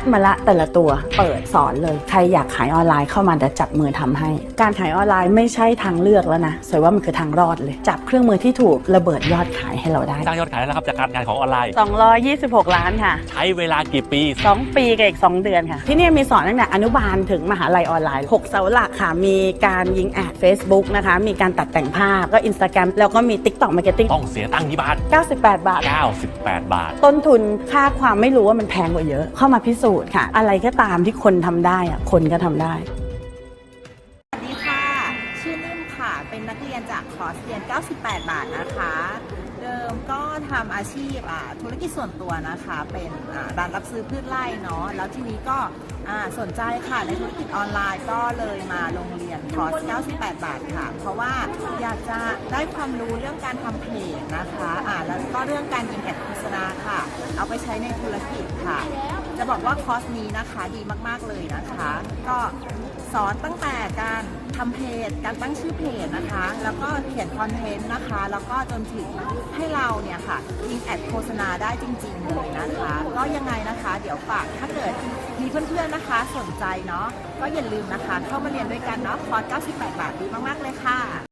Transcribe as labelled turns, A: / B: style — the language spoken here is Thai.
A: ดมาละแต่ละตัวเปิดสอนเลยใครอยากขายออนไลน์เข้ามาจะจับมือทำให้การขายออนไลน์ไม่ใช่ทางเลือกแล้วนะสวยว่ามันคือทางรอดเลยจับเครื่องมือที่ถูกระเบิดยอดขายให้เราได้
B: สร้างยอดขายแล้วครับจากการงานของออนไลน์
A: 226 ล้านค่ะ
B: ใช้เวลากี่ปี
A: 2 ปีกับอีก2 เดือนค่ะที่นี่มีสอนตั้งแต่อนุบาลถึงมหาลัยออนไลน์6เสาหลักค่ะมีการยิงแอด Facebook นะคะมีการตัดแต่งภาพก็ Instagram แล้วก็มี TikTok Marketing
B: ต้องเสียตังค์กี่บาท
A: 98 บาท
B: 98 บาท
A: ต้นทุนค่าความไม่รู้ว่ามันแพงกว่าเยอะเข้ามาพิสูจน์ค่ะอะไรก็ตามที่คนทำได้อะคนก็ทำได้
C: สวัสดีค่ะชื่อนิ่มค่ะเป็นนักเรียนจากคอร์สเรียน98 บาทนะคะเดิมก็ทำอาชีพธุรกิจส่วนตัวนะคะเป็นร้านรับซื้อพืชไร่เนาะแล้วทีนี้ก็สนใจค่ะในธุรกิจออนไลน์ก็เลยมาโรงเรียนคอร์ส98 บาทค่ะเพราะว่าอยากจะได้ความรู้เรื่องการทำเพจนะคะแล้วก็เรื่องการยิงแอดโฆษณาค่ะเอาไปใช้ในธุรกิจค่ะจะบอกว่าคอร์สนี้นะคะดีมากๆเลยนะคะก็สอนตั้งแต่การทำเพจการตั้งชื่อเพจนะคะแล้วก็เขียนคอนเทนต์นะคะแล้วก็จนถึงให้เราเนี่ยค่ะยิงแอดโฆษณาได้จริงๆเลยนะคะก็ยังไงนะคะเดี๋ยวฝากถ้าเกิดมีเพื่อนๆนะคะสนใจเนาะก็อย่าลืมนะคะเข้ามาเรียนด้วยกันเนาะคอร์ส98 บาทดีมากๆเลยค่ะ